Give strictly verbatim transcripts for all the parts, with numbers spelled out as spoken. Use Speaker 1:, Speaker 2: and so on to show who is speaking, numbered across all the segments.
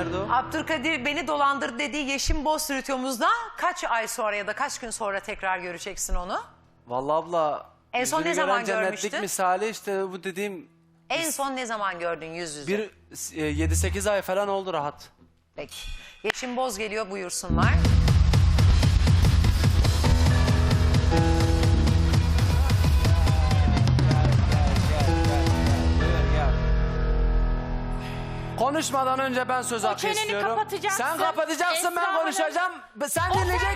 Speaker 1: Nerede o?
Speaker 2: Abdülkadir beni dolandırdı dediği Yeşim Boz stüdyomuzda kaç ay sonra ya da kaç gün sonra tekrar göreceksin onu?
Speaker 1: Vallahi abla.
Speaker 2: En son
Speaker 1: yüzünü
Speaker 2: ne zaman
Speaker 1: gören cennetlik
Speaker 2: görmüştün?
Speaker 1: misali işte bu dediğim
Speaker 2: En son ne zaman gördün yüz yüze?
Speaker 1: bir e, yedi sekiz ay falan oldu rahat.
Speaker 2: Peki. Yeşim Boz geliyor, buyursunlar.
Speaker 1: Konuşmadan önce ben söz hakkı
Speaker 3: çeneni
Speaker 1: istiyorum.
Speaker 3: kapatacaksın.
Speaker 1: Sen kapatacaksın,
Speaker 3: Esra
Speaker 1: ben
Speaker 3: Hanım.
Speaker 1: konuşacağım. Sen dinleyeceksin.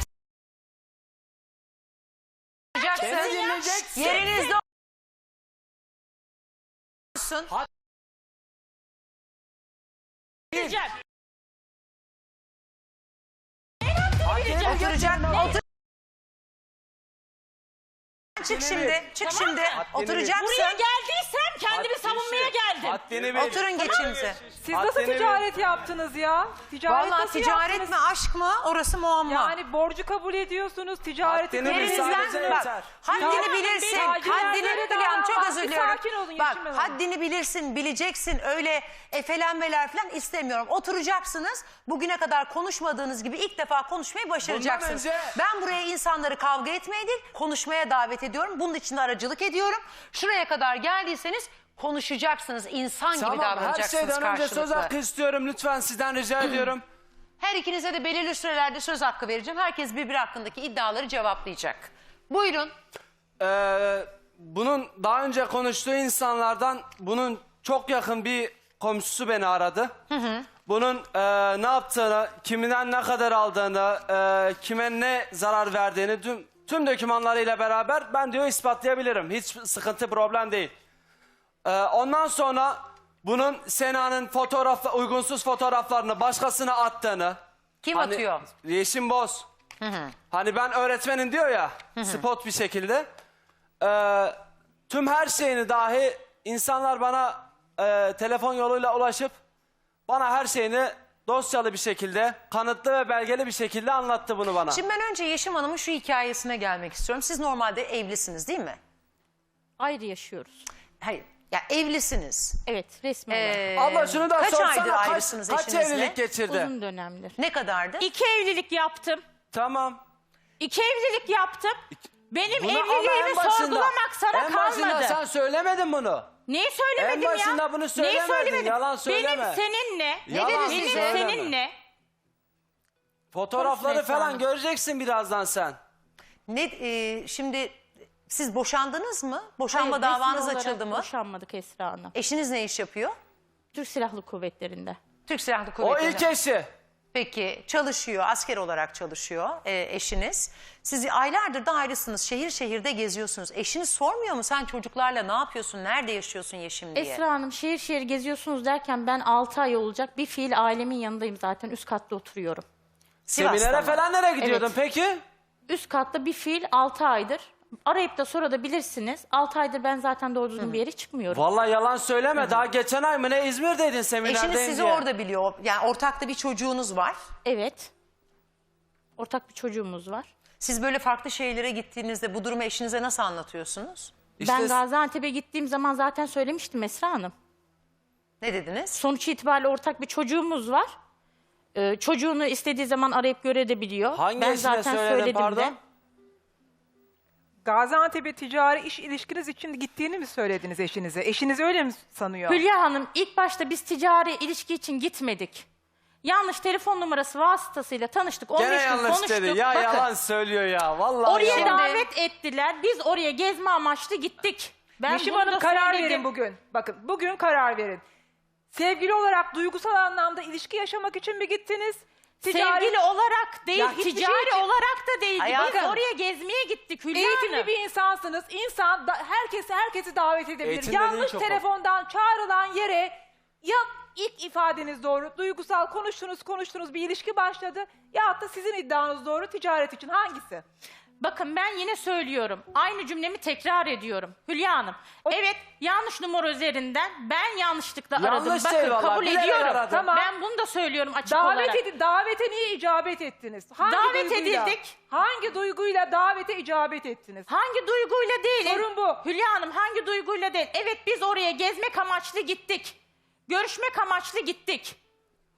Speaker 2: Yapacaksın.
Speaker 1: Beni dinleyeceksin.
Speaker 2: Yerinizde olsun.
Speaker 3: Diyeceğim.
Speaker 2: Oturacak. Otur. Çık şimdi. Çık
Speaker 3: Tamam
Speaker 2: şimdi.
Speaker 3: mı?
Speaker 2: Oturacaksın.
Speaker 3: Buraya geldiysem kendimi
Speaker 1: Haddini
Speaker 3: savunmaya
Speaker 1: bil.
Speaker 3: geldim.
Speaker 1: Haddini bil.
Speaker 2: Oturun geçinize.
Speaker 4: Siz nasıl
Speaker 1: Haddini bil.
Speaker 4: ticaret yaptınız ya? Ticaret
Speaker 2: Vallahi
Speaker 4: nasıl
Speaker 2: ticaret
Speaker 4: yaptınız?
Speaker 2: mi aşk mı orası muamma.
Speaker 4: Yani borcu kabul ediyorsunuz, ticareti
Speaker 1: Haddini
Speaker 4: kabul
Speaker 1: bil,
Speaker 4: ediyorsunuz.
Speaker 1: sadece
Speaker 2: Yerinizden bak
Speaker 1: yeter.
Speaker 2: haddini
Speaker 4: Tamam,
Speaker 2: bilirsin.
Speaker 4: benim
Speaker 2: Haddini
Speaker 4: acilenlere
Speaker 2: bilen
Speaker 4: davran,
Speaker 2: çok
Speaker 4: bak,
Speaker 2: özür
Speaker 4: bir
Speaker 2: diliyorum.
Speaker 4: sakin olun
Speaker 2: Bak
Speaker 4: Yeşim Hanım.
Speaker 2: haddini bilirsin, bileceksin. Öyle efelenmeler falan istemiyorum. Oturacaksınız. Bugüne kadar konuşmadığınız gibi ilk defa konuşmayı başaracaksınız.
Speaker 1: Bundan önce-
Speaker 2: Ben buraya insanları kavga etmeye değil, konuşmaya davet ediyorum. Bunun için de aracılık ediyorum. Şuraya kadar geldiyseniz konuşacaksınız. İnsan gibi
Speaker 1: Tamam, her
Speaker 2: davranacaksınız
Speaker 1: şeyden önce söz
Speaker 2: karşılıklı.
Speaker 1: hakkı istiyorum. Lütfen sizden rica ediyorum.
Speaker 2: Her ikinize de belirli sürelerde söz hakkı vereceğim. Herkes birbiri hakkındaki iddiaları cevaplayacak. Buyurun.
Speaker 1: Ee, bunun daha önce konuştuğu insanlardan bunun çok yakın bir komşusu beni aradı. Hı hı. Bunun e, ne yaptığını, kiminden ne kadar aldığını, e, kime ne zarar verdiğini tüm, tüm dokümanlarıyla beraber ben diyor ispatlayabilirim. Hiç sıkıntı, problem değil. Ee, ondan sonra bunun Sena'nın fotoğraf, uygunsuz fotoğraflarını başkasına attığını.
Speaker 2: Kim
Speaker 1: hani,
Speaker 2: atıyor?
Speaker 1: Yeşim Boz. Hı hı. Hani ben öğretmenim diyor ya, hı hı. spot bir şekilde. Ee, tüm her şeyini dahi insanlar bana e, telefon yoluyla ulaşıp bana her şeyini dosyalı bir şekilde, kanıtlı ve belgeli bir şekilde anlattı bunu bana.
Speaker 2: Şimdi ben önce Yeşim Hanım'ın şu hikayesine gelmek istiyorum. Siz normalde evlisiniz değil mi?
Speaker 3: Ayrı yaşıyoruz.
Speaker 2: Hayır. Ya evlisiniz.
Speaker 3: Evet, resmi olarak.
Speaker 2: Ee,
Speaker 1: Abla şunu da
Speaker 2: kaç aydır
Speaker 1: sorsana, kaç,
Speaker 2: ayrısınız
Speaker 1: kaç
Speaker 2: eşinizle?
Speaker 1: evlilik geçirdi?
Speaker 3: Uzun dönemdir.
Speaker 2: Ne kadardı?
Speaker 3: İki evlilik yaptım.
Speaker 1: Tamam.
Speaker 3: İki evlilik yaptım. Benim
Speaker 1: Bunu ama
Speaker 3: evliliğimi
Speaker 1: en başında-
Speaker 3: sorgulamak sana
Speaker 1: en başında
Speaker 3: kalmadı.
Speaker 1: sen söylemedin bunu.
Speaker 3: Neyi söylemedim
Speaker 1: En
Speaker 3: ya?
Speaker 1: başında bunu
Speaker 3: Neyi
Speaker 1: söylemedin,
Speaker 3: söylemedim?
Speaker 1: yalan söyleme.
Speaker 3: Benim seninle,
Speaker 1: Yalan
Speaker 3: benim
Speaker 1: söyleme.
Speaker 3: seninle.
Speaker 1: Fotoğrafları
Speaker 3: Konuşma
Speaker 1: falan
Speaker 3: Esra
Speaker 1: göreceksin birazdan sen.
Speaker 2: Ne e, şimdi siz boşandınız mı? Boşanma
Speaker 3: Hayır,
Speaker 2: davanız
Speaker 3: resmi olarak
Speaker 2: açıldı mı?
Speaker 3: Boşanmadık Esra Hanım.
Speaker 2: Eşiniz ne iş yapıyor?
Speaker 3: Türk Silahlı Kuvvetleri'nde.
Speaker 2: Türk Silahlı
Speaker 1: O
Speaker 2: Kuvvetleri'nde.
Speaker 1: ilk eşi.
Speaker 2: Peki çalışıyor, asker olarak çalışıyor e, eşiniz. Siz aylardır da ayrısınız, şehir şehirde geziyorsunuz. Eşiniz sormuyor mu sen çocuklarla ne yapıyorsun, nerede yaşıyorsun Yeşim diye?
Speaker 3: Esra Hanım şehir şehir geziyorsunuz derken ben altı ay olacak bir fiil ailemin yanındayım zaten. Üst katta oturuyorum.
Speaker 2: Sivas'ta
Speaker 1: Seminere
Speaker 2: mı?
Speaker 1: falan nereye gidiyordun
Speaker 3: Evet.
Speaker 1: peki?
Speaker 3: Üst katta bir fiil altı aydır. Arayıp da sonra da bilirsiniz. altı aydır ben zaten doğru düzgün bir yere çıkmıyorum.
Speaker 1: Vallahi yalan söyleme. Daha geçen ay mı ne İzmir'deydin seminerdeyim
Speaker 2: Eşiniz sizi
Speaker 1: diye.
Speaker 2: orada biliyor. Yani ortakta bir çocuğunuz var.
Speaker 3: Evet. Ortak bir çocuğumuz var.
Speaker 2: Siz böyle farklı şehirlere gittiğinizde bu durumu eşinize nasıl anlatıyorsunuz?
Speaker 1: İşte
Speaker 3: Ben Gaziantep'e gittiğim zaman zaten söylemiştim Esra Hanım.
Speaker 2: Ne dediniz?
Speaker 3: Sonuç itibariyle ortak bir çocuğumuz var. Ee, çocuğunu istediği zaman arayıp görebiliyor.
Speaker 1: hangi
Speaker 3: ben
Speaker 1: eşine
Speaker 3: zaten
Speaker 1: söyledin
Speaker 3: söyledim
Speaker 1: pardon?
Speaker 3: de.
Speaker 4: Gaziantep'e ticari iş ilişkiniz için gittiğini mi söylediniz eşinize? Eşiniz öyle mi sanıyor?
Speaker 3: Hülya Hanım ilk başta biz ticari ilişki için gitmedik. Yanlış telefon numarası vasıtasıyla tanıştık. on beş
Speaker 1: Gene
Speaker 3: gün
Speaker 1: yanlış
Speaker 3: konuştuk.
Speaker 1: dedi. Ya
Speaker 3: Bakın,
Speaker 1: yalan söylüyor ya. Vallahi
Speaker 3: oraya
Speaker 1: yalan.
Speaker 3: davet ettiler. Biz oraya gezme amaçlı gittik. Ben
Speaker 4: Yeşim
Speaker 3: bunu
Speaker 4: Hanım
Speaker 3: da
Speaker 4: karar
Speaker 3: söyledim.
Speaker 4: verin bugün. Bakın bugün karar verin. Sevgili olarak duygusal anlamda ilişki yaşamak için mi gittiniz? Ticari-
Speaker 3: Sevgili olarak değil,
Speaker 4: Ya hiçbir
Speaker 3: ticari
Speaker 4: şey için-
Speaker 3: olarak da değil. Biz
Speaker 2: Hayatım.
Speaker 3: oraya gezmeye gittik Hülya
Speaker 4: Eğitimli
Speaker 3: Hanım.
Speaker 4: bir insansınız. İnsan da, herkesi herkesi davet edebilir.
Speaker 1: Eğitim dediğin
Speaker 4: Yanlış
Speaker 1: çok
Speaker 4: telefondan çağrılan yere ya ilk ifadeniz doğru, duygusal konuştunuz konuştunuz bir ilişki başladı ya da sizin iddianız doğru ticaret için hangisi?
Speaker 3: Bakın ben yine söylüyorum. Aynı cümlemi tekrar ediyorum. Hülya Hanım. Evet yanlış numara üzerinden ben yanlışlıkla aradım.
Speaker 1: Yanlış
Speaker 3: Bakın
Speaker 1: şey vallahi,
Speaker 3: kabul
Speaker 1: bilerek
Speaker 3: ediyorum.
Speaker 1: aradım.
Speaker 4: Tamam.
Speaker 3: Ben bunu da söylüyorum açık
Speaker 4: Davet
Speaker 3: olarak.
Speaker 4: edin, davete niye icabet ettiniz? Hangi
Speaker 3: Davet
Speaker 4: duyguyla-
Speaker 3: edildik.
Speaker 4: Hangi duyguyla davete icabet ettiniz?
Speaker 3: Hangi duyguyla değil?
Speaker 4: Sorun bu.
Speaker 3: Hülya Hanım hangi duyguyla değil? Evet biz oraya gezmek amaçlı gittik. Görüşmek amaçlı gittik.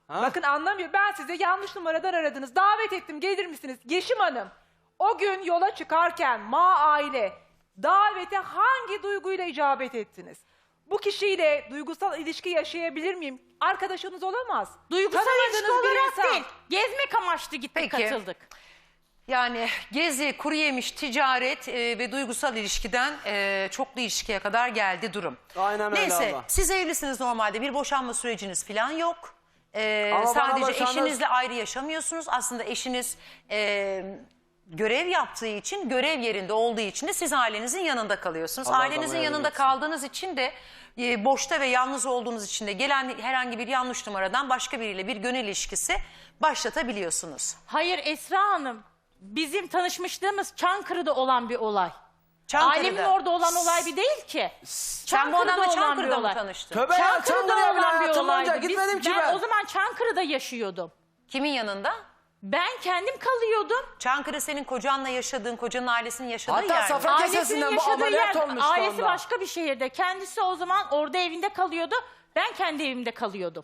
Speaker 1: Ha?
Speaker 4: Bakın anlamıyor. Ben size yanlış numaradan aradınız. Davet ettim, gelir misiniz? Yeşim Hanım, o gün yola çıkarken Ma aile davete hangi duyguyla icabet ettiniz? Bu kişiyle duygusal ilişki yaşayabilir miyim? Arkadaşınız olamaz.
Speaker 3: Duygusal
Speaker 4: Tanımadığınız
Speaker 3: ilişki
Speaker 4: bir
Speaker 3: olarak
Speaker 4: insan.
Speaker 3: değil. Gezmek amaçlı gittik,
Speaker 2: Peki.
Speaker 3: katıldık.
Speaker 2: Yani gezi, kuru yemiş, ticaret e, ve duygusal ilişkiden e, çoklu ilişkiye kadar geldi durum.
Speaker 1: Aynen öyle
Speaker 2: Neyse,
Speaker 1: abla.
Speaker 2: siz evlisiniz normalde, bir boşanma süreciniz falan yok. E,
Speaker 1: Ama bana
Speaker 2: sadece
Speaker 1: boşanma-
Speaker 2: eşinizle ayrı yaşamıyorsunuz. Aslında eşiniz e, görev yaptığı için, görev yerinde olduğu için de siz ailenizin yanında kalıyorsunuz.
Speaker 1: Allah
Speaker 2: Ailenizin
Speaker 1: adama
Speaker 2: yanında
Speaker 1: yardım etsin.
Speaker 2: kaldığınız için de e, boşta ve yalnız olduğunuz için de gelen herhangi bir yanlış numaradan başka biriyle bir gönül ilişkisi başlatabiliyorsunuz.
Speaker 3: Hayır Esra Hanım, bizim tanışmışlığımız Çankırı'da olan bir olay.
Speaker 2: Çankırı'da.
Speaker 3: Ailemin orada olan olay bir değil ki.
Speaker 2: Sen bu adamla
Speaker 3: olan bir
Speaker 2: Çankırı'da mı
Speaker 3: olay.
Speaker 2: tanıştın?
Speaker 1: Tövbe ya,
Speaker 3: Çankırı'da
Speaker 1: Çankırı'ya bile
Speaker 3: olan bir
Speaker 1: hayatım boyunca
Speaker 3: olaydı. Biz-
Speaker 1: gitmedim ki
Speaker 3: ben,
Speaker 1: ben.
Speaker 3: o zaman Çankırı'da yaşıyordum.
Speaker 2: Kimin yanında?
Speaker 3: Ben kendim kalıyordum.
Speaker 2: Çankırı senin kocanla yaşadığın, kocanın ailesinin yaşadığı
Speaker 1: Hatta
Speaker 2: yer mi?
Speaker 1: Safra-
Speaker 3: Ailesinin
Speaker 1: Kesesinden bu
Speaker 3: yaşadığı
Speaker 1: ameliyat
Speaker 3: yer,
Speaker 1: olmuştu
Speaker 3: ailesi
Speaker 1: onda.
Speaker 3: başka bir şehirde. Kendisi o zaman orada evinde kalıyordu. Ben kendi evimde kalıyordum.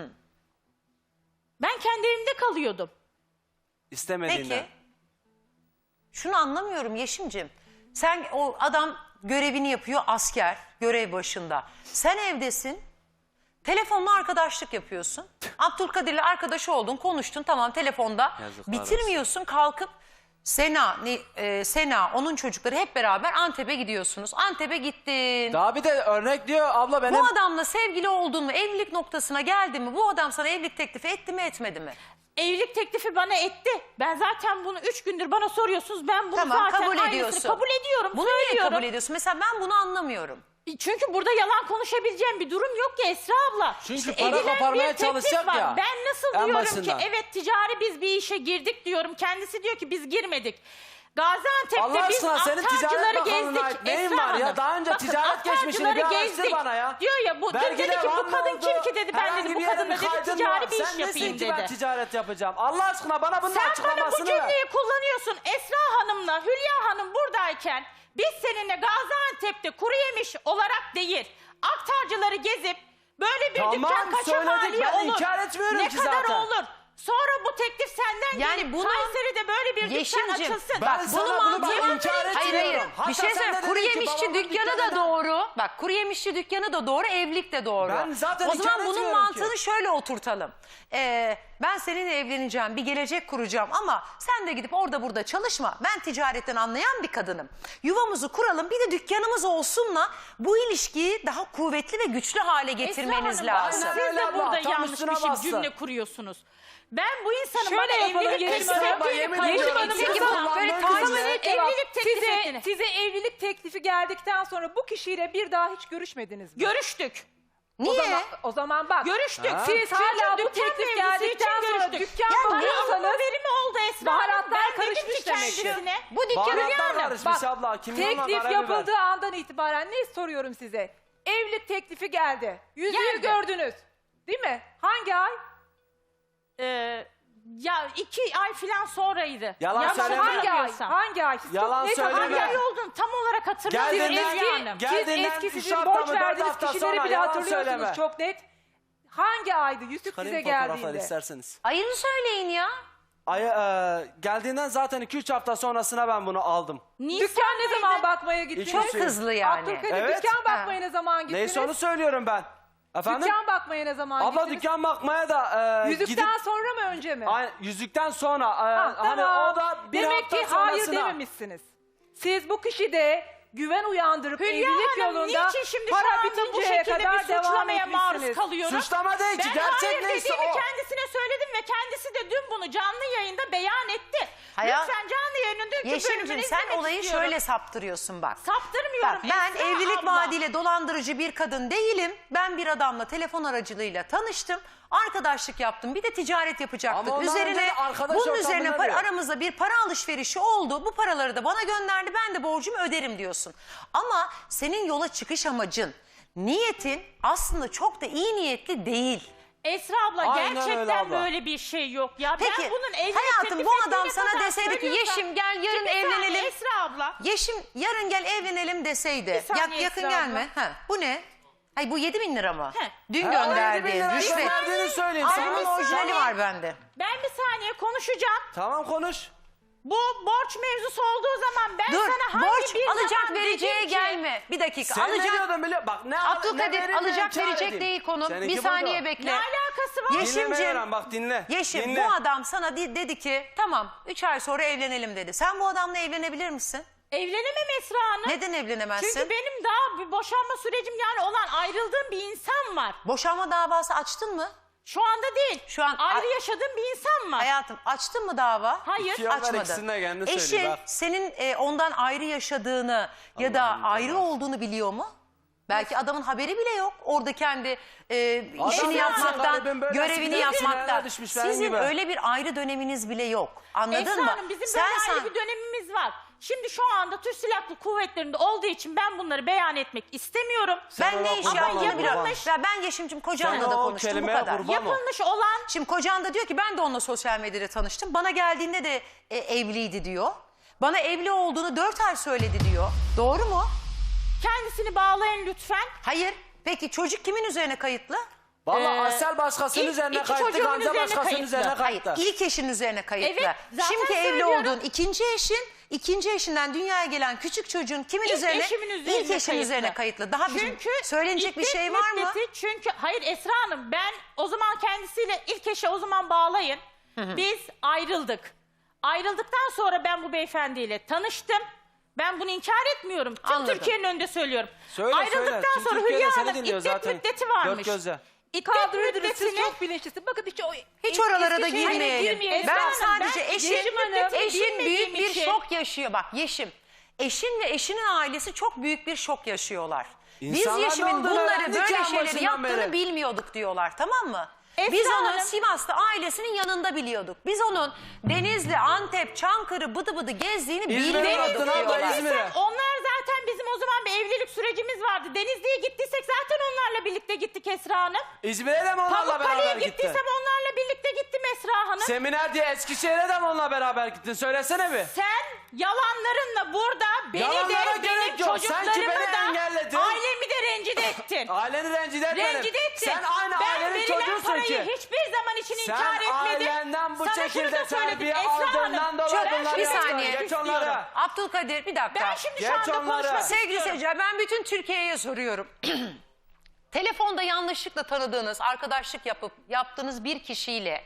Speaker 3: Ben kendi evimde kalıyordum.
Speaker 1: İstemediğinden.
Speaker 2: Peki. Şunu anlamıyorum Yeşim'cim. Sen, o adam görevini yapıyor, asker, görev başında. Sen evdesin, telefonla arkadaşlık yapıyorsun. Abdülkadir'le arkadaş oldun, konuştun, tamam, telefonda.
Speaker 1: Yazıklar
Speaker 2: Bitirmiyorsun, kalkıp Sena, ne- e, Sena, onun çocukları hep beraber Antep'e gidiyorsunuz. Antep'e gittin.
Speaker 1: Daha bir de örnek diyor abla benim.
Speaker 2: Bu adamla sevgili oldun mu, evlilik noktasına geldi mi? Bu adam sana evlilik teklifi etti mi, etmedi mi?
Speaker 3: Evlilik teklifi bana etti. Ben zaten bunu üç gündür bana soruyorsunuz. Ben bunu
Speaker 2: Tamam,
Speaker 3: zaten
Speaker 2: kabul
Speaker 3: aynısını
Speaker 2: ediyorsun.
Speaker 3: kabul ediyorum.
Speaker 2: Bunu niye
Speaker 3: söylüyorum.
Speaker 2: kabul ediyorsun? Mesela ben bunu anlamıyorum.
Speaker 3: Çünkü burada yalan konuşabileceğim bir durum yok ki Esra abla.
Speaker 1: Çünkü
Speaker 3: İşte
Speaker 1: para
Speaker 3: edilen
Speaker 1: koparmaya
Speaker 3: bir teklif
Speaker 1: çalışacak
Speaker 3: var.
Speaker 1: ya,
Speaker 3: Ben nasıl
Speaker 1: en
Speaker 3: diyorum
Speaker 1: başından.
Speaker 3: ki evet ticari biz bir işe girdik diyorum. Kendisi diyor ki biz girmedik. Gaziantep'te
Speaker 1: Allah
Speaker 3: biz
Speaker 1: aşkına senin ticaret
Speaker 3: aktarcıları
Speaker 1: bakanlığına
Speaker 3: gezdik.
Speaker 1: ait neyin
Speaker 3: Esra
Speaker 1: var ya?
Speaker 3: Hanım.
Speaker 1: Daha önce
Speaker 3: Bakın,
Speaker 1: ticaret geçmişini bir
Speaker 3: aktarcıları
Speaker 1: araştır bana ya.
Speaker 3: Diyor ya bu dün
Speaker 1: Vergiler
Speaker 3: dedi ki
Speaker 1: var
Speaker 3: bu
Speaker 1: mı
Speaker 3: kadın
Speaker 1: oldu?
Speaker 3: kim ki dedi ben
Speaker 1: Herhangi
Speaker 3: dedi bu
Speaker 1: bir yere
Speaker 3: kadınla
Speaker 1: bir
Speaker 3: dedi
Speaker 1: kaydın
Speaker 3: ticari
Speaker 1: var.
Speaker 3: bir iş
Speaker 1: Sen
Speaker 3: yapayım
Speaker 1: nesin ki ben
Speaker 3: dedi.
Speaker 1: ticaret yapacağım? Allah aşkına bana bunun
Speaker 3: Sen bana bu
Speaker 1: açıklamasını ver.
Speaker 3: cümleyi kullanıyorsun. Esra Hanım'la Hülya Hanım buradayken biz seninle Gaziantep'te kuru yemiş olarak değil, aktarcıları gezip böyle bir
Speaker 1: Tamam,
Speaker 3: dükkan kaça
Speaker 1: söyledik.
Speaker 3: mali
Speaker 1: Ben
Speaker 3: olur?
Speaker 1: inkar etmiyorum
Speaker 3: ne
Speaker 1: ki
Speaker 3: kadar
Speaker 1: zaten.
Speaker 3: olur? Sonra bu teklif senden
Speaker 2: Yani
Speaker 3: gelip
Speaker 2: bunu-
Speaker 3: Kayseri'de böyle bir dükkan
Speaker 2: Yeşim'cim,
Speaker 3: açılsın.
Speaker 1: Ben
Speaker 2: Bak,
Speaker 1: sana
Speaker 2: bunu
Speaker 1: bunu bak
Speaker 2: mantığı-
Speaker 1: inkar etmiyorum.
Speaker 2: Hayır hayır.
Speaker 1: Hatta
Speaker 2: Bir şey
Speaker 1: sen de
Speaker 2: söyleyeyim. Kuru
Speaker 1: dedin ki
Speaker 2: yemişçi
Speaker 1: babamın
Speaker 2: dükkanı da
Speaker 1: dükkanında-
Speaker 2: doğru. Bak, kuru yemişçi dükkanı da doğru, evlilik de doğru.
Speaker 1: Ben zaten
Speaker 2: O
Speaker 1: inkar
Speaker 2: zaman bunun
Speaker 1: etmiyorum
Speaker 2: mantığını
Speaker 1: ki.
Speaker 2: şöyle oturtalım. Ee, ben seninle evleneceğim, bir gelecek kuracağım ama sen de gidip orada burada çalışma. Ben ticaretten anlayan bir kadınım. Yuvamızı kuralım, bir de dükkanımız olsunla bu ilişkiyi daha kuvvetli ve güçlü hale getirmeniz
Speaker 3: Esra Hanım,
Speaker 2: lazım.
Speaker 3: Siz
Speaker 1: Aynen öyle
Speaker 3: de
Speaker 1: abla,
Speaker 3: burada
Speaker 1: tam
Speaker 3: yanlış
Speaker 1: üstüne
Speaker 3: bir şey,
Speaker 1: bastın.
Speaker 3: cümle kuruyorsunuz. Ben bu insanın
Speaker 4: Şöyle
Speaker 3: bana
Speaker 4: yapalım,
Speaker 3: evlilik
Speaker 4: Yeşim
Speaker 3: teklif
Speaker 4: Hanım.
Speaker 3: ettiğini
Speaker 1: Yemin
Speaker 3: kabul
Speaker 1: ediyorum,
Speaker 3: edin.
Speaker 1: size
Speaker 3: Size
Speaker 1: kullanmak
Speaker 3: böyle
Speaker 1: üzere.
Speaker 3: tarzı
Speaker 4: Net
Speaker 3: evlilik
Speaker 4: cevap.
Speaker 3: teklif
Speaker 4: size,
Speaker 3: ettiğini.
Speaker 4: size evlilik teklifi geldikten sonra bu kişiyle bir daha hiç görüşmediniz mi?
Speaker 3: Görüştük.
Speaker 4: O
Speaker 2: Niye?
Speaker 4: zaman, o zaman bak.
Speaker 3: Görüştük.
Speaker 1: Ha?
Speaker 4: Siz
Speaker 3: Çünkü
Speaker 4: hala bu
Speaker 3: dükkan
Speaker 4: teklif
Speaker 3: mevzusu
Speaker 4: geldikten
Speaker 3: için
Speaker 4: sonra
Speaker 3: görüştük.
Speaker 4: dükkan
Speaker 3: Ya
Speaker 4: bakıyorsanız
Speaker 3: benim haberimi oldu Esra Hanım.
Speaker 4: baharatlar
Speaker 3: Ben dedim
Speaker 4: karışmış
Speaker 3: ki
Speaker 4: demek ki.
Speaker 3: kendisine.
Speaker 2: Bu dükkanı
Speaker 1: Baharatlar
Speaker 2: yani.
Speaker 1: karışmış
Speaker 4: Bak,
Speaker 1: abla. Kimyonla
Speaker 4: teklif
Speaker 1: karabiber.
Speaker 4: yapıldığı andan itibaren ne soruyorum size? Evlilik teklifi geldi. Yüzüğü
Speaker 3: Geldi.
Speaker 4: gördünüz. Değil mi? Hangi ay?
Speaker 3: Ee, ya iki ay falan sonraydı.
Speaker 1: Yalan
Speaker 3: Yanlış
Speaker 1: söyleme.
Speaker 4: Hangi ay?
Speaker 3: hatırlamıyorsam.
Speaker 4: Hangi ay? Siz
Speaker 1: Yalan
Speaker 4: çok net
Speaker 1: söyleme.
Speaker 3: Hangi
Speaker 4: hatırlayın.
Speaker 3: ay olduğunu tam olarak hatırlamıyorum.
Speaker 1: Geldiğinden-
Speaker 3: Esra
Speaker 4: Eski,
Speaker 3: Hanım.
Speaker 1: Gel-
Speaker 4: siz
Speaker 1: Geldiğinden
Speaker 4: eski
Speaker 1: üç
Speaker 4: sizin
Speaker 1: hafta
Speaker 4: borç
Speaker 1: mı, dört
Speaker 4: verdiğiniz
Speaker 1: hafta
Speaker 4: kişileri
Speaker 1: sonra
Speaker 4: bile
Speaker 1: yalan
Speaker 4: hatırlıyorsunuz
Speaker 1: söyleme.
Speaker 4: çok net. Hangi aydı yüzük
Speaker 1: Çıkarayım
Speaker 4: size
Speaker 1: fotoğrafları
Speaker 4: geldiğinde?
Speaker 1: isterseniz.
Speaker 2: Ayını söyleyin ya.
Speaker 1: Ay, e, geldiğinden zaten iki üç hafta sonrasına ben bunu aldım.
Speaker 4: Dükkan ne zaman bakmaya gittiniz?
Speaker 2: Çok hızlı yani.
Speaker 4: Abdülkadir
Speaker 1: Evet.
Speaker 4: dükkan bakmaya ne zaman gittiniz?
Speaker 1: Neyse onu söylüyorum ben. Efendim?
Speaker 4: Dükkan bakmaya ne zaman
Speaker 1: Abla
Speaker 4: gittiniz?
Speaker 1: dükkan bakmaya da e,
Speaker 4: Yüzükten
Speaker 1: gidip...
Speaker 4: sonra mı önce mi?
Speaker 1: Ay, yüzükten sonra. e,
Speaker 4: Ha,
Speaker 1: hani
Speaker 4: tamam.
Speaker 1: o da bir
Speaker 4: Demek
Speaker 1: hafta
Speaker 4: ki hayır
Speaker 1: sonrasına.
Speaker 4: dememişsiniz. Siz bu kişide güven uyandırıp
Speaker 3: Hülya
Speaker 4: evlilik
Speaker 3: Hanım
Speaker 4: yolunda
Speaker 3: niçin şimdi şu
Speaker 4: para
Speaker 3: anda bu
Speaker 4: bitinceye
Speaker 3: şekilde
Speaker 4: kadar
Speaker 3: bir
Speaker 4: devam
Speaker 3: suçlamaya maruz
Speaker 4: etmişsiniz.
Speaker 3: kalıyorum?
Speaker 1: Suçlama değil ki,
Speaker 3: Ben
Speaker 1: gerçek
Speaker 3: hayır
Speaker 1: neyse
Speaker 3: dediğimi
Speaker 1: o.
Speaker 3: kendisine söyledim ve kendisi de dün bunu canlı yayında beyan etti.
Speaker 2: Hayat-
Speaker 3: Lütfen canlı yayının dünkü
Speaker 2: Yeşim'cim
Speaker 3: bölümünü
Speaker 2: sen
Speaker 3: izlemek
Speaker 2: olayı
Speaker 3: istiyorum.
Speaker 2: şöyle saptırıyorsun bak.
Speaker 3: Saptırmıyorum
Speaker 2: Bak, ben
Speaker 3: Esra
Speaker 2: evlilik
Speaker 3: abla.
Speaker 2: vaadiyle dolandırıcı bir kadın değilim. Ben bir adamla telefon aracılığıyla tanıştım. Arkadaşlık yaptım. Bir de ticaret yapacaktık.
Speaker 1: Ama ondan önce
Speaker 2: Üzerine
Speaker 1: de arkadaş
Speaker 2: bunun
Speaker 1: ortamında
Speaker 2: üzerine para-
Speaker 1: diyor.
Speaker 2: aramızda bir para alışverişi oldu. Bu paraları da bana gönderdi. Ben de borcumu öderim diyorsun. Ama senin yola çıkış amacın, niyetin aslında çok da iyi niyetli değil.
Speaker 3: Esra abla
Speaker 1: Aynen öyle
Speaker 3: gerçekten
Speaker 1: abla.
Speaker 3: böyle bir şey yok. Ya
Speaker 2: Peki
Speaker 3: ben bunun evlilik
Speaker 2: hayatım
Speaker 3: teklif
Speaker 2: bu adam
Speaker 3: ettiğine
Speaker 2: sana
Speaker 3: kadar
Speaker 2: deseydi ki
Speaker 3: söylüyorsam-
Speaker 2: Yeşim gel yarın
Speaker 3: Bir saniye
Speaker 2: evlenelim.
Speaker 3: Esra abla.
Speaker 2: Yeşim yarın gel evlenelim deseydi.
Speaker 3: Bir saniye
Speaker 2: Yak- yakın
Speaker 3: Esra
Speaker 2: gelme. Ha, bu ne? Hayır, bu yedi bin lira mı?
Speaker 3: He.
Speaker 2: Dün
Speaker 1: Ha, o yedi bin
Speaker 2: gönderdiğin
Speaker 1: lira
Speaker 2: rüşvet.
Speaker 1: gönderdiğini söyleyeyim
Speaker 2: Al,
Speaker 1: sana.
Speaker 2: bunun orijinali var bende.
Speaker 3: Ben bir saniye konuşacağım.
Speaker 1: Tamam konuş.
Speaker 3: Bu borç mevzusu olduğu zaman ben
Speaker 2: Dur,
Speaker 3: sana hangi
Speaker 2: borç
Speaker 3: bir
Speaker 2: alacak
Speaker 3: zaman
Speaker 2: vereceğe
Speaker 3: dedim ki-
Speaker 2: gelme. Bir dakika,
Speaker 1: Sen ne
Speaker 2: alacak.
Speaker 1: diyordun biliyor Bak ne al- ne
Speaker 2: Abdülkadir,
Speaker 1: veririm,
Speaker 2: alacak
Speaker 1: ne kâr
Speaker 2: verecek
Speaker 1: edeyim.
Speaker 2: değil konu.
Speaker 1: Seninki
Speaker 2: Bir
Speaker 1: budur.
Speaker 2: saniye
Speaker 3: Ne
Speaker 2: bekle.
Speaker 3: alakası var?
Speaker 2: Yeşimciğim,
Speaker 1: Dinleme Eren, bak dinle.
Speaker 2: Yeşim,
Speaker 1: Dinle.
Speaker 2: bu adam sana di- dedi ki tamam üç ay sonra evlenelim dedi. Sen bu adamla evlenebilir misin?
Speaker 3: Evlenemem Esra Hanım.
Speaker 2: Neden evlenemezsin?
Speaker 3: Çünkü benim daha bir boşanma sürecim yani olan ayrıldığım bir insan var.
Speaker 2: Boşanma davası açtın mı?
Speaker 3: Şu anda değil.
Speaker 2: Şu an-
Speaker 3: ayrı yaşadığım bir insan var.
Speaker 2: Hayatım, açtın mı dava?
Speaker 3: Hayır.
Speaker 1: İki yoldan
Speaker 2: Açmadın.
Speaker 1: ikisini de kendine
Speaker 2: Eşin
Speaker 1: söyleyeyim, bak.
Speaker 2: senin e, ondan ayrı yaşadığını ya da
Speaker 1: Allah'ım
Speaker 2: ayrı
Speaker 1: cezası.
Speaker 2: olduğunu biliyor mu? Belki adamın haberi bile yok. Orada kendi e,
Speaker 1: Adam
Speaker 2: işini
Speaker 1: ya,
Speaker 2: yapmaktan,
Speaker 1: garibim böyle
Speaker 2: görevini
Speaker 1: sinirlerine
Speaker 2: yapmaktan.
Speaker 1: düşmüş benim
Speaker 2: Sizin
Speaker 1: gibi.
Speaker 2: öyle bir ayrı döneminiz bile yok. Anladın
Speaker 3: Esra
Speaker 2: mı?
Speaker 3: Hanım bizim
Speaker 2: Sen
Speaker 3: böyle
Speaker 2: sen
Speaker 3: ayrı bir dönemimiz var. Şimdi şu anda Türk Silahlı Kuvvetleri'nde olduğu için ben bunları beyan etmek istemiyorum.
Speaker 1: Sen
Speaker 2: ben ne
Speaker 1: ona
Speaker 2: iş
Speaker 1: kurban
Speaker 2: yaptığını
Speaker 1: ol,
Speaker 2: biliyorum.
Speaker 1: kurban.
Speaker 2: Ya ben Yeşim'cim kocanla
Speaker 1: Sen
Speaker 2: da
Speaker 1: o
Speaker 2: konuştum bu
Speaker 1: kelimeye
Speaker 2: kadar.
Speaker 1: kurban ol.
Speaker 3: Yapılmış olan
Speaker 2: Şimdi kocan da diyor ki ben de onunla sosyal medyada tanıştım. Bana geldiğinde de e, evliydi diyor. Bana evli olduğunu dört ay söyledi diyor. Doğru mu?
Speaker 3: kendisini bağlayın lütfen.
Speaker 2: Hayır. Peki çocuk kimin üzerine kayıtlı?
Speaker 1: Valla
Speaker 3: Ee,
Speaker 1: Asel başkasının
Speaker 3: ilk-
Speaker 1: üzerine
Speaker 3: iki
Speaker 1: kayıtlı,
Speaker 3: çocuğumun
Speaker 1: Gamze
Speaker 3: üzerine
Speaker 1: başkasının
Speaker 3: kayıtlı.
Speaker 1: üzerine
Speaker 2: Hayır.
Speaker 1: kayıtlı.
Speaker 2: İlk eşin üzerine kayıtlı.
Speaker 3: Evet, zaten
Speaker 2: Şimdi evli
Speaker 3: söylüyorum.
Speaker 2: olduğun ikinci eşin, ikinci eşinden dünyaya gelen küçük çocuğun kimin
Speaker 3: İlk
Speaker 2: üzerine?
Speaker 3: eşimin üzerine
Speaker 2: İlk eşin
Speaker 3: kayıtlı.
Speaker 2: üzerine kayıtlı. Daha bizim
Speaker 3: Çünkü
Speaker 2: söylenecek bir
Speaker 3: iddet
Speaker 2: şey var mı?
Speaker 3: müddeti- Çünkü hayır Esra Hanım ben o zaman kendisiyle ilk eşe o zaman bağlayın. Biz ayrıldık. Ayrıldıktan sonra ben bu beyefendiyle tanıştım. Ben bunu inkar etmiyorum. Tüm
Speaker 2: Anladım.
Speaker 3: Türkiye'nin önünde söylüyorum.
Speaker 1: Söyle,
Speaker 3: Ayrıldıktan
Speaker 1: söyle. Tüm
Speaker 3: sonra
Speaker 1: Türkiye de
Speaker 3: Hülya
Speaker 1: seni
Speaker 3: Hanım
Speaker 1: dinliyor
Speaker 3: iddet
Speaker 1: zaten.
Speaker 3: müddeti varmış.
Speaker 1: Dört gözle.
Speaker 3: İddet
Speaker 4: Kaldırırdınız, siz
Speaker 3: müddetini
Speaker 4: çok bilinçlisiniz. Bakın hiç, o,
Speaker 2: Hiç oralara da
Speaker 4: eski şeylere
Speaker 2: girmeyelim.
Speaker 4: girmeyelim.
Speaker 2: Ben
Speaker 3: Esra Hanım,
Speaker 2: sadece
Speaker 3: ben
Speaker 2: eşin,
Speaker 3: Yeşim Hanım,
Speaker 2: eşin büyük
Speaker 3: bilmediğim
Speaker 2: bir
Speaker 3: için-
Speaker 2: şok yaşıyor. Bak Yeşim, eşin ve eşinin ailesi çok büyük bir şok yaşıyorlar.
Speaker 1: İnsanlar
Speaker 2: Biz
Speaker 1: ne
Speaker 2: Yeşim'in
Speaker 1: olduğunu
Speaker 2: bunları
Speaker 1: öğrendik
Speaker 2: böyle
Speaker 1: ya
Speaker 2: şeyleri
Speaker 1: başından
Speaker 2: yaptığını
Speaker 1: beri.
Speaker 2: bilmiyorduk diyorlar, tamam mı?
Speaker 3: Esra
Speaker 2: Biz onu
Speaker 3: Hanım-
Speaker 2: Sivas'ta ailesinin yanında biliyorduk. Biz onun Denizli, Antep, Çankırı bıdı bıdı gezdiğini
Speaker 1: İzmir'e
Speaker 2: bilmiyorduk
Speaker 1: attın abla,
Speaker 2: diyorlar.
Speaker 1: İzmir'e.
Speaker 3: Onlar zaten bizim o zaman bir evlilik sürecimiz vardı. Denizli'ye gittiysek zaten onlarla birlikte gittik Esra Hanım.
Speaker 1: İzmir'e de mi onlarla
Speaker 3: Pamukkale'ye
Speaker 1: beraber gittin?
Speaker 3: gittiysem onlarla birlikte gittim Esra Hanım.
Speaker 1: Seminer diye Eskişehir'e de mi onunla beraber gittin? Söylesene bir.
Speaker 3: Sen yalanlarınla burada beni
Speaker 1: Yalanlara
Speaker 3: de
Speaker 1: gerek
Speaker 3: benim
Speaker 1: yok. Sen ki
Speaker 3: çocuklarımı
Speaker 1: beni
Speaker 3: da
Speaker 1: engelledin.
Speaker 3: ailemi de rencide ettin.
Speaker 1: Aileni rencide etmedim.
Speaker 3: rencide ettin.
Speaker 1: Sen aynı
Speaker 3: ben
Speaker 1: ailenin
Speaker 3: verilen
Speaker 1: çocuğusun
Speaker 3: parayı
Speaker 1: ki.
Speaker 3: hiçbir zaman için
Speaker 1: Sen
Speaker 3: inkar etmedim.
Speaker 1: ailenden bu
Speaker 3: Sana şunu
Speaker 1: şekilde
Speaker 3: da söyledim
Speaker 1: terbiye
Speaker 3: Esra
Speaker 1: aldığından
Speaker 3: Hanım.
Speaker 1: dolayı
Speaker 3: Ben
Speaker 1: bunları
Speaker 2: Bir
Speaker 3: şunu
Speaker 1: yaptın.
Speaker 2: saniye.
Speaker 3: söylemek
Speaker 1: Geç onları.
Speaker 3: istiyorum.
Speaker 2: Abdülkadir bir dakika.
Speaker 3: Ben şimdi
Speaker 1: Geç
Speaker 3: şu anda
Speaker 1: onları.
Speaker 3: konuşmak
Speaker 2: Sevgili
Speaker 3: istiyorum.
Speaker 2: seyirciler, ben bütün Türkiye'ye soruyorum. Telefonda yanlışlıkla tanıdığınız, arkadaşlık yapıp yaptığınız bir kişiyle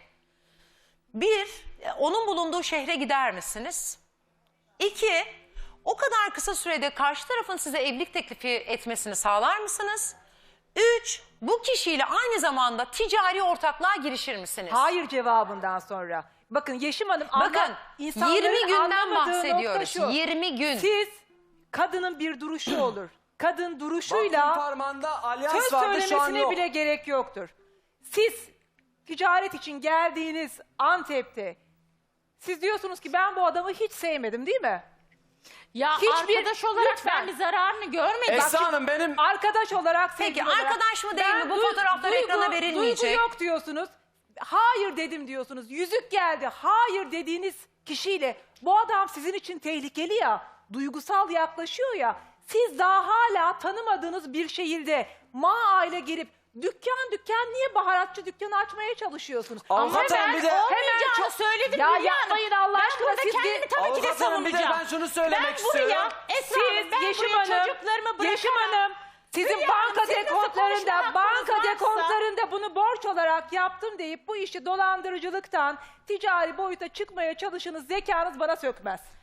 Speaker 2: bir, onun bulunduğu şehre gider misiniz? İki, o kadar kısa sürede karşı tarafın size evlilik teklifi etmesini sağlar mısınız? Üç, bu kişiyle aynı zamanda ticari ortaklığa girişir misiniz?
Speaker 4: Hayır cevabından sonra. Bakın Yeşim Hanım anla-
Speaker 2: Bakın
Speaker 4: insanların
Speaker 2: yirmi günden
Speaker 4: anlamadığı nokta
Speaker 2: bahsediyoruz.
Speaker 4: şu.
Speaker 2: yirmi gün.
Speaker 4: Siz kadının bir duruşu olur. Kadın
Speaker 1: Vakfın
Speaker 4: duruşuyla
Speaker 1: parmağında alyans
Speaker 4: söz
Speaker 1: vardı, şu an
Speaker 4: söylemesine
Speaker 1: yok.
Speaker 4: bile gerek yoktur. Siz ticaret için geldiğiniz Antep'te siz diyorsunuz ki ben bu adamı hiç sevmedim değil mi?
Speaker 3: Ya
Speaker 4: Hiçbir-
Speaker 3: arkadaş olarak
Speaker 4: lütfen.
Speaker 3: ben bir zararını görmedim.
Speaker 1: Esra Hanım benim
Speaker 4: Arkadaş olarak
Speaker 2: Peki,
Speaker 4: sevgili olarak-
Speaker 2: arkadaş mı değil
Speaker 4: Ben
Speaker 2: mi? Bu
Speaker 4: duy-
Speaker 2: fotoğraflar
Speaker 4: duygu-
Speaker 2: ekrana verilmeyecek.
Speaker 4: Duygu yok diyorsunuz. Hayır dedim diyorsunuz. Yüzük geldi. Hayır dediğiniz kişiyle bu adam sizin için tehlikeli ya. Duygusal yaklaşıyor ya. Siz daha hala tanımadığınız bir şehirde ma aile girip dükkan dükkan niye baharatçı dükkanı açmaya çalışıyorsunuz?
Speaker 1: Avukat
Speaker 3: ben
Speaker 1: hanım bir de
Speaker 3: olmayacağını
Speaker 4: çok-
Speaker 3: söyledim
Speaker 4: Ya
Speaker 3: Hülya Hanım.
Speaker 4: yapmayın Allah
Speaker 3: ben
Speaker 4: aşkına,
Speaker 3: burada
Speaker 4: siz
Speaker 3: kendimi
Speaker 4: bir-
Speaker 3: tabii ki de
Speaker 1: Avukat hanım bir de
Speaker 3: savunacağım.
Speaker 1: ben şunu söylemek
Speaker 3: ben buraya,
Speaker 1: istiyorum.
Speaker 3: Esra Hanım,
Speaker 4: Siz
Speaker 3: ben
Speaker 4: Yeşim
Speaker 3: buraya
Speaker 4: Hanım,
Speaker 3: çocuklarımı bırakamam.
Speaker 4: Yeşim Hanım, sizin
Speaker 3: Hülya Hanım,
Speaker 4: banka
Speaker 3: siz nasıl
Speaker 4: dekontlarında,
Speaker 3: konuşma
Speaker 4: banka
Speaker 3: hakkınız varsa-
Speaker 4: dekontlarında bunu borç olarak yaptım deyip bu işi dolandırıcılıktan ticari boyuta çıkmaya çalışınız, zekanız bana sökmez.